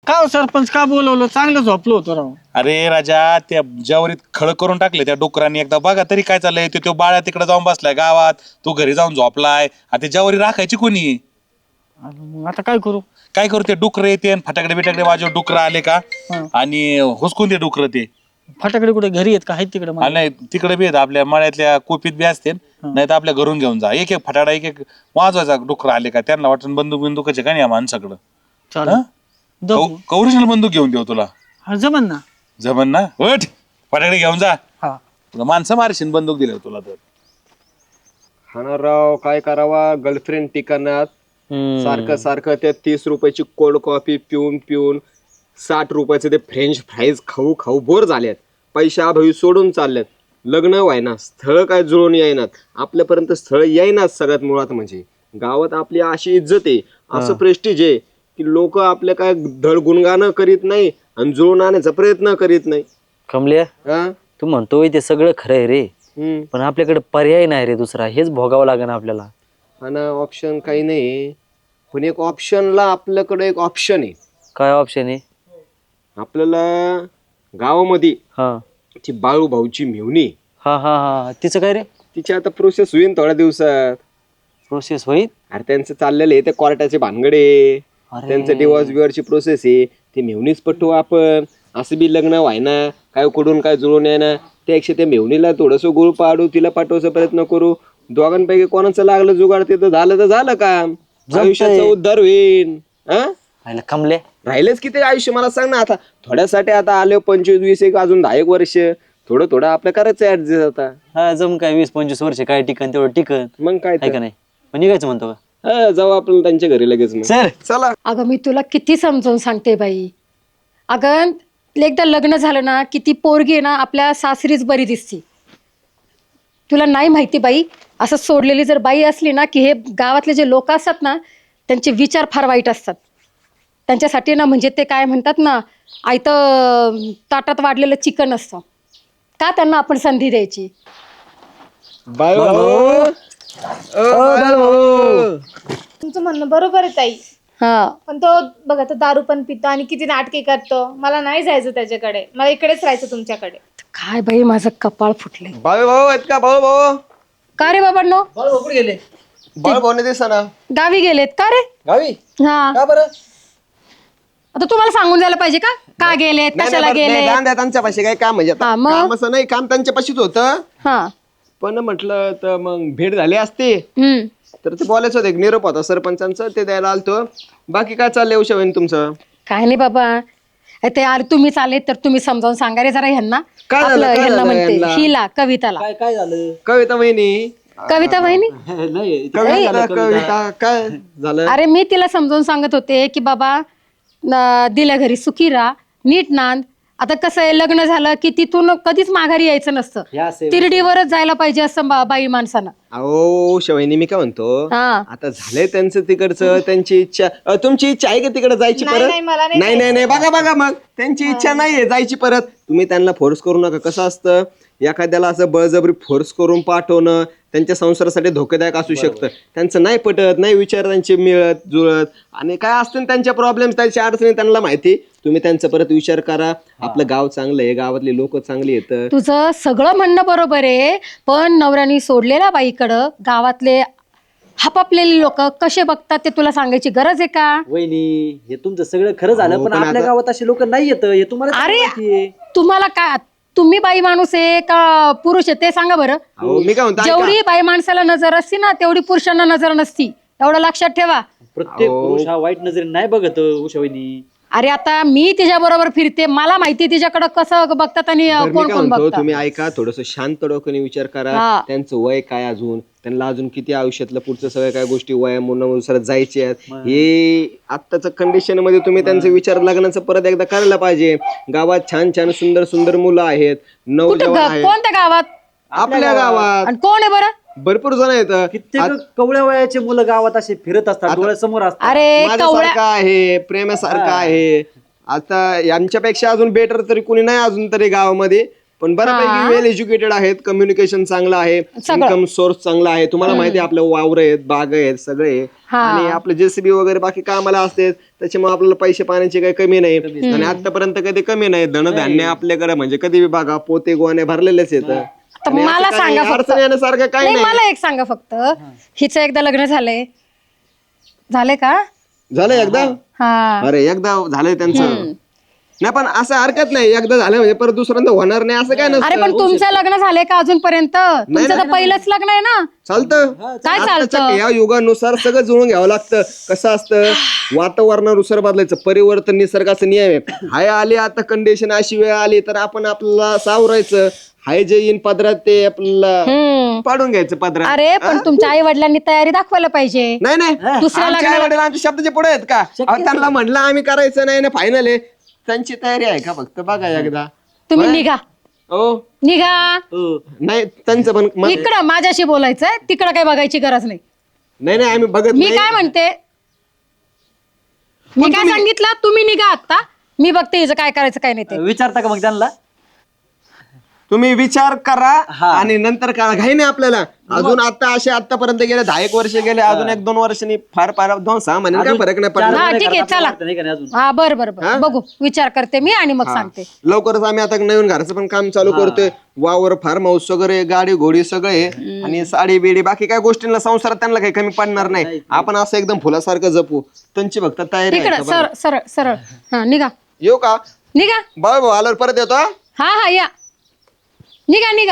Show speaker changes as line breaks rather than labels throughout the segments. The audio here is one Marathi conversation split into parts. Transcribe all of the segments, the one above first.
का हो सरपंच का बोलवलं? चांगलं झोपलो होतो राव.
अरे राजा, त्या ज्यावरीत खळ करून टाकले त्या डुकरांनी. एकदा बघा तरी काय चाललंय. तो बाळ्या तिकडे जाऊन बसलाय गावात, तू घरी जाऊन झोपलाय. आता ज्यावरी राखायची कोणी?
मग आता काय करू?
काय करू? ते डुकर येते फटाकडे बिटाकडे वाजव. डुकर आले का
हा.
आणि हुसकून ते डुकर ते.
फटाकडे कुठे घरी आहेत का? आहेत तिकडे
आणि नाही तिकडे बी आहेत, आपल्या मळ्यातल्या कोपीत बी असते. नाही तर आपल्या घरून घेऊन जा. एक एक फटाडा एक एक वाजवायचा. डुकर आले का त्यांना वाटून बंदूक बिंदुकाचे का नाही या माणसाकडं.
चालेल.
कौरिशनल बंदूक घेऊन देऊ तुला.
हा जमन ना.
जमन ना? उठ फटाकडे घेऊन जा.
हा.
तुला माणसं मारशील बंदूक दिले तुला तर.
हा राव, काय करावा? गर्लफ्रेंड ठिकाणात सारखं सारखं त्या 30 रुपयाची कोल्ड कॉफी पिऊन पिऊन 60 रुपयाचे ते फ्रेंच फ्राईज खाऊ खाऊ बोर झाल्यात. पैशाअभावी सोडून चालल्यात. लग्न व्हायना, स्थळ काय जुळून येईनात. आपल्यापर्यंत स्थळ येईनात. सगळ्यात मुळात म्हणजे गावात आपली अशी इज्जत आहे, असं प्रेस्टिज आहे की लोक आपल्या काय धड गुणगानं करीत नाही आणि जुळून आणण्याचा प्रयत्न करीत नाही.
कमल्या,
हा
तू म्हणतोय ते सगळं खरं आहे रे, पण आपल्याकडे पर्याय नाही रे दुसरा. हेच भोगावं लागेल आपल्याला.
हा ना, ऑप्शन काही नाही. पण एक ऑप्शनला आपल्याकडे एक ऑप्शन आहे.
काय ऑप्शन आहे?
आपल्याला गावामध्ये
हा
ती बाळू भाऊची मेहुणी,
हा हा हा तिचं काय रे?
तिची आता प्रोसेस होईल थोड्या दिवसात.
प्रोसेस होईल?
अरे त्यांचं चाललेलं आहे ते कोर्टाचे भानगडे. त्यांचं डिवॉर्स बिवॉर्सची प्रोसेस आहे. ती मेहुणीच पटवू आपण. असं बी लग्न व्हायना, काय कुठून काय जुळून येणार. त्यापेक्षा त्या मेहुणीला थोडंसं गुळ पाडू, तिला पाठवायचा प्रयत्न करू. दोघांपैकी कोणाचं लागलं जुगाड ते तर झालं काम. आयुष्याचा उद्धार होईल. हा
कमले
राहिलेच किती आयुष्य मला सांग ना. आता थोड्यासाठी आता आले 25-20 एक अजून 10 एक वर्ष थोडं थोडं आपलं करायचं ऍडजस्ट. आता
हा जम काय 20-25 वर्ष काय टिकन तेवढं टिकन.
मग काय
आहे का नाही? पण निघायचं म्हणतो का?
जाऊ आपण त्यांच्या घरी लगेच मग.
सर
चला.
अगं मी तुला किती समजावून सांगते बाई. अगं एकदा लग्न झालं ना की ती पोरगी आहे ना आपल्या सासरीच बरी दिसते. तुला नाही माहिती बाई, असं सोडलेली जर बाई असली ना की हे गावातले जे लोक असतात ना त्यांचे विचार फार वाईट असतात. त्यांच्यासाठी ना म्हणजे ते काय म्हणतात ना, आयतं ताटात वाढलेलं चिकन असतं. का त्यांना आपण संधी द्यायची?
बाळू
तुमचं म्हणणं बरोबर आहे ताई.
हा
पण तो बघा, तो दारू पण पितो आणि किती नाटके करतो. मला नाही जायचं त्याच्याकडे, मला इकडेच राहायचं तुमच्याकडे.
काय बाई माझं कपाळ फुटले.
बाळू भाऊ आहेत का? बाळू भाऊ,
का रे बाबांनो?
बाळू भाऊ दिसा ना
गावी गेलेत का रे?
गावी.
हा
का बरं?
आता तुम्हाला सांगून द्यायला पाहिजे का गेलेत, कशाला गेलेत?
त्यांच्या पाशी काय काम म्हणजे
हा, मग?
काम असं नाही, काम त्यांच्या पाशीच होतं.
हा
पण म्हटलं तर मग भेट झाली असते
हम्म.
तर ते बोलायचं होतं. एक निरोप होता सरपंचांचं, ते द्यायला आलतो. बाकी काय चाललंय उषाबाई तुमचं?
काय नाही बाबा, ते यार तुम्ही चालेत तर तुम्ही समजावून सांगा रे जरा ह्यांना.
काय झालं?
आपलं
काय
ह्यांना
झालं
म्हणते
ह्यांना?
हिला, कविताला.
काय झालं?
कविता वहिनी,
कविता बहिणी.
कविता काय झालं?
अरे मी तिला समजावून सांगत होते की बाबा दिल्या घरी सुखी राहा, नीट नांद. आता कसं आहे, लग्न झालं की तिथून कधीच माघारी यायचं नसतं. तिरडीवरच जायला पाहिजे असं बाई माणसानं.
अहो उषाबाईनी, मी काय म्हणतो,
हा.
आता झालंय त्यांचं तिकडचं, त्यांची इच्छा. तुमची इच्छा आहे का तिकडे जायची
नाही,
परत?
नाही, मला नाही
नाही नाही नाही, बघा मग त्यांची इच्छा नाहीये जायची परत. तुम्ही त्यांना फोर्स करू नका. कसं असतं, एखाद्याला असं बळजबरी फोर्स करून पाठवणं त्यांच्या संसारासाठी धोकेदायक असू शकतं. त्यांचं नाही पटत, नाही विचार त्यांचे मिळत जुळत, आणि काय असतं त्यांच्या प्रॉब्लेम, त्यांच्या अडचणी त्यांना माहिती. तुम्ही त्यांचा परत विचार करा. आपलं गाव चांगलं आहे, गावातली लोक चांगली येतं.
तुझं सगळं म्हणणं बरोबर आहे, पण नवऱ्याने सोडलेल्या बाईकडं गावातले हापापलेले लोक कसे बघतात ते तुला सांगायची गरज आहे का?
वहिनी, हे तुमचं सगळं खरं झालं, पण आपल्या गावात असे लोक नाही येत. हे तुम्हाला
अरे तुम्हाला काय, तुम्ही बाई माणूस आहे का पुरुष आहे ते सांगा बरं.
मी काय म्हणतो,
जेवढी बाई माणसाला नजर असती ना तेवढी पुरुषांना नजर नसती, एवढं लक्षात ठेवा.
प्रत्येक पुरुष हा वाईट नजरेने नाही बघत उषा वहिनी.
अरे आता मी तिच्या बरोबर फिरते, मला माहिती तिच्याकडे कसं बघतात आणि कोण कोण बघतात.
तुम्ही ऐका, थोडस शांत डोक्याने विचार करा.
हा.
त्यांचं वय काय, अजून त्यांना अजून किती आयुष्यातलं पुढचं सगळ्या काय गोष्टी वयानुसार जायचे आहेत. हे आत्ताच्या कंडिशन मध्ये तुम्ही त्यांचा विचार लग्नाचं परत एकदा करायला पाहिजे. गावात छान छान सुंदर सुंदर मुलं आहेत, नवजवान आहेत
कोणत्या गावात?
आपल्या गावात.
आणि कोण आहे बरं?
भरपूर जण आहेत.
कित्येक कवळ्या वयाचे मुलं गावात असे फिरत असतात, डोळ्यासमोर असतात.
अरे
माझ्यासारखं आहे, प्रेमासारखं आहे. आता यांच्यापेक्षा अजून बेटर तरी कोणी नाही अजून तरी गावामध्ये. पण बऱ्यापैकी वेल एज्युकेटेड आहेत, कम्युनिकेशन चांगलं आहे,
सगळं.
इन्कम सोर्स चांगला आहे. तुम्हाला माहिती आहे आपलं वावर आहेत, बाग आहेत, सगळे आहे. आणि आपलं जेसीबी वगैरे बाकी कामाला असते, त्याच्यामुळे आपल्याला पैसे पाण्याची काही कमी नाही. आणि आतापर्यंत कधी कमी नाही. धनधान्य आपल्याकडे म्हणजे कधी बी बघा पोते गोवाने भरलेलेच येतं.
तर मला सांगा फक्त,
अडचण येण्यासारखं काही
नाही
नाही.
मला एक सांगा फक्त, हिचं एकदा लग्न झालंय का?
झालं एकदा?
हा
अरे एकदा झालंय त्यांचं. नाही पण असं हरकत नाही, एकदा झालं म्हणजे परत दुसऱ्यांदा होणार नाही असं काय
अरे
नसतं.
पण तुमचं लग्न झालंय का अजूनपर्यंत? तुमचं तर पहिलंच लग्न आहे ना.
चालतं.
काय चालतं?
आताच्या या युगानुसार सगळं जुळून घ्यावं लागतं. कसं असतं, वातावरणानुसार बदलायचं, परिवर्तन निसर्गाचा नियम आहे. हाय आली आता कंडिशन अशी वेळ आली तर आपण आपल्याला सावरायचं. हाय जे येईन पदरात ते आपल्याला पाडून घ्यायचं पदरात.
अरे पण तुमच्या आई वडिलांनी तयारी दाखवायला पाहिजे.
नाही नाही,
दुसऱ्या
आमच्या
लग्नाला-
आईवडील आमच्या शब्दाचे पुढे आहेत का? अहो, त्यांना म्हणलं आम्ही करायचं नाही ना, फायनल आहे. त्यांची तयारी आहे का फक्त बघा एकदा.
तुम्ही निघा
हो
निघा
नाही त्यांचं पण
इकडं माझ्याशी बोलायचंय, तिकडं काही बघायची गरज नाही.
नाही आम्ही बघत
मी
नाही.
काय म्हणते, मी काय सांगितलं, तुम्ही निघा आता. मी बघते हिचं काय करायचं काय नाही ते.
विचारता का मग त्यांना?
तुम्ही विचार करा आणि नंतर करा. घाई नाही आपल्याला. अजून आतापर्यंत गेले 10 वर्ष गेले, अजून 1-2 वर्षांनी फार 2-6 महिने काय फरक नाही पडला.
हा ठीक आहे चला. हा बरं बघू, विचार करते मी आणि मग सांगते.
लवकरच आम्ही आता नवीन घराचं पण काम चालू करतोय. वावर, फार्म हाऊस वगैरे, गाडी घोडी सगळे, आणि साडी बिडी बाकी काय गोष्टींना संसारात त्यांना काही कमी पडणार नाही. आपण असं एकदम फुलासारखं जपू. त्यांची फक्त तयारी आहे
इकडं
का बघा.
सरळ सरळ हा निघा
येऊ का?
निघा.
भाऊ आल्यावर परत येतो.
हा या, निघा.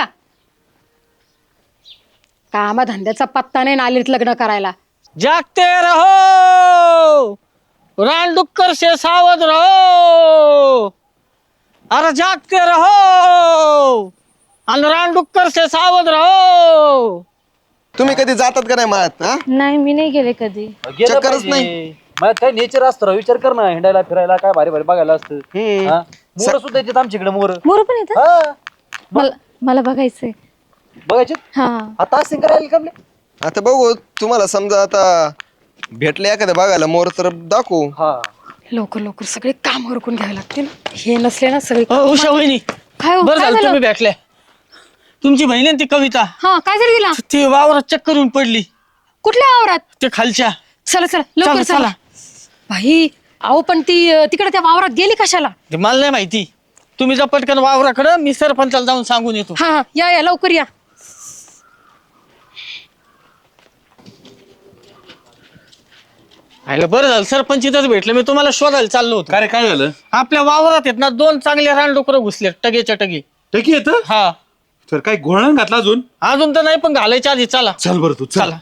कामा धंद्याचा पत्ता नाही, नालीत लग्न करायला.
जागते रहो, रानडुक्कर से सावध रहो. अरे जागते रहो आणि रानडुक्कर से सावध रहो.
तुम्ही कधी जातात का नाही मळ्यात? हा,
नाही मी नाही गेले कधी.
चक्करच नाही.
मग काय नेचर असतं, विचार कर ना, हिंडायला फिरायला काय भारी भारी बघायला असतं. मोर सुद्धा येतात आमच्याकडे, मोर.
मोर पण येतात? मला बघायचंय.
बघायचे
हा
आता असं करायला का?
आता बघू, तुम्हाला समजा आता भेटले एखाद्या बघायला मोर तर दाखवू.
हा
लवकर सगळे काम उरकून घ्यावे लागतील. हे नसले ना सगळे.
उषा वहिनी,
काय हो,
बरं
काय
झालं
झालं?
तुम्ही भेटले. तुमची बहीण आहे ती कविता,
हा काय झालं तिला?
ती वावरात चक्कर येऊन पडली.
कुठल्या वावरात?
ते खालच्या.
चला लवकर
चला.
चला. भाई अहो पण ती तिकडे त्या वावरात गेली कशाला?
ते मला नाही माहिती. तुम्ही जा पटकन वावराकडं, मी सरपंचाला जाऊन सांगून येतो.
हा या लवकर या.
आयलं बरं झालं सरपंच इथंच भेटलं. मी तुम्हाला शोधायला चाललो होतो.
काय काय झालं?
आपल्या वावरात आहेत ना 2 चांगले रानडुकरं घुसले, टगेच्या टगे.
टकी येत
हा
तर काय घोळण घातला अजून?
अजून तर नाही, पण घालायच्या आधी चला.
चल बरं तू
चला.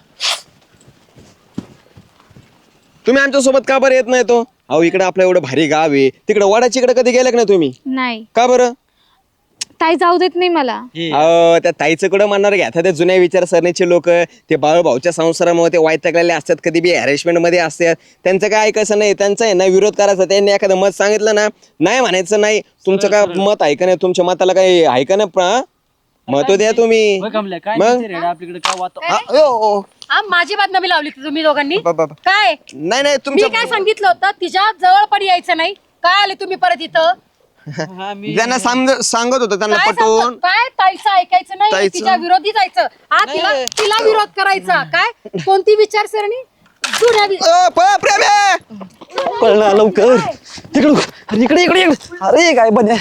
तुम्ही आमच्या सोबत का बरं येत नाही तो? अहो इकडे आपलं एवढं भारी गाव आहे, तिकडे वडाच्या इकडे कधी गेले का नाही तुम्ही?
नाही,
का बरं?
ताई जाऊ देत नाही मला.
अहो त्या ताईचं कुठं म्हणणार घ्या, त्या जुन्या विचारसरणीचे लोक, ते बाळूभाऊच्या संसारामुळे ते वैतागलेले असतात, कधी बी हॅरेसमेंट मध्ये असतात. त्यांचं काय ऐकायचं नाही, त्यांचं आहे ना विरोध करायचा. त्यांनी एखादं मत सांगितलं ना, नाही म्हणायचं नाही. तुमचं काय मत आहे का नाही? तुमच्या मताला काही आहे का नाही? मत द्या तुम्ही.
आपल्याकडे काय वाता
माझी बदनामी लावली तुम्ही दोघांनी.
बाबा.
काय
नाही
मी
तुमच्या
काय सांगितलं होतं, तिच्या जवळ पण यायचं नाही. काय आले तुम्ही परत इथं?
त्यांना सांगत होतं त्यांना
काय
पटवून.
सांगतो? काय ताईचं ऐकायचं नाही,
ताईचं?
तिच्या विरोधी जायचं. हा तिला विरोध करायचा. काय कोणती विचारसरणी? जुन्या
पळणा लवकर तिकडं. इकडे इकडे इकडे. अरे काय बन्या.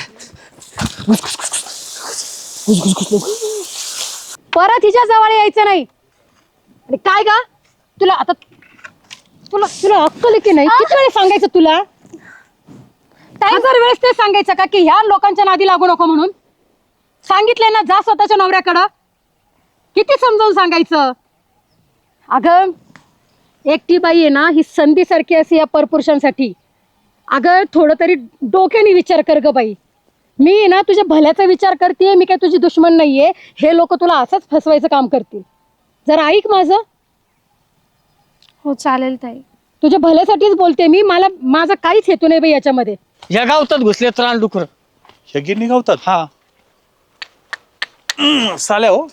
परत तिच्या जवळ यायचं नाही. आणि काय गा तुला आता, तुला अक्कल की नाही? किती वेळेस सांगायचं तुला? 1000 वेळेस ते सांगायचं का की ह्या लोकांच्या नादी लागू नको म्हणून? सांगितलंय ना, जा स्वतःच्या नवऱ्याकडं. किती समजावून सांगायचं? अगं एकटी बाई आहे ना, ही संधी सारखी असे या परपुरुषांसाठी. अगं थोडं तरी डोक्याने विचार कर ग बाई. मी आहे ना तुझ्या भल्याचा विचार करते, मी काय तुझी दुश्मन नाहीये. हे लोक तुला असंच फसवायचं काम करतील. जरा ऐक माझं.
हो चालेल ताई.
तुझ्या भल्यासाठीच बोलते मी. माझा काहीच हेतू नाही बाई याच्यामध्ये.
या गावतात घुसलेत रानडुकर.
हे गिरणी गावतात.
हा
साल्या हो.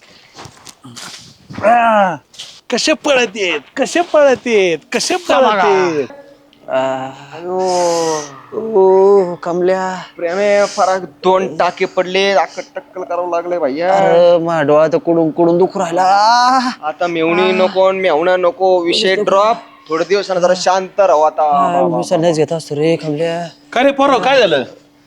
कसे पळत येत, कसे पळत येत, कसे पळत येत.
ओ कमल्या
प्रेमे फरक 2 टाके पडले टक्कल करावं लागले भैया.
अरे माझ्या डोळा तर कुडून कुडून दुखू राहिला.
आता मेवणी नको मेवणा नको विषय ड्रॉप. थोडे दिवसानं जरा शांत राहू आता.
विसरण्याच घेत असतो रे कमल्या.
काय रे पोरं काय झालं?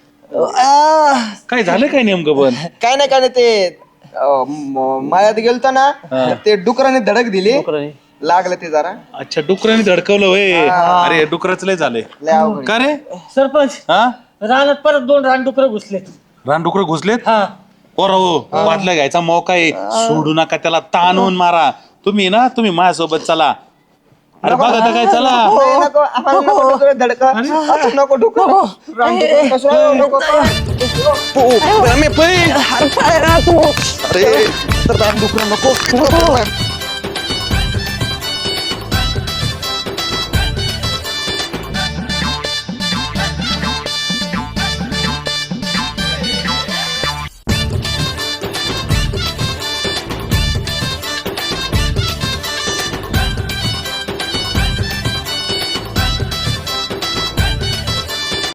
काय झालं काय नेमकं पण?
काय नाही ते मायात गेलतो ना ते डुकराने धडक दिली लागलं ते जरा.
अच्छा डुकराने धडकवलं होय. अरे डुकराच लय झालंय.
लय अवघड.
का रे?
सरपंच
हा
रानात परत 2 रानडुकरं घुसलेत.
रानडुकर घुसलेत?
हा
पोरं हो बादल्या घ्यायचा मौका आहे. सोडू नका त्याला ताणून मारा. तुम्ही माझ्यासोबत चला. अरे बघा आता काय चला.
नाही, नको आम्हाला नको डुकरं धडका. आता नको डुकरं. रानडुकरं कसं नको प्रेमे, पै. अरे तर रानडुकरं नको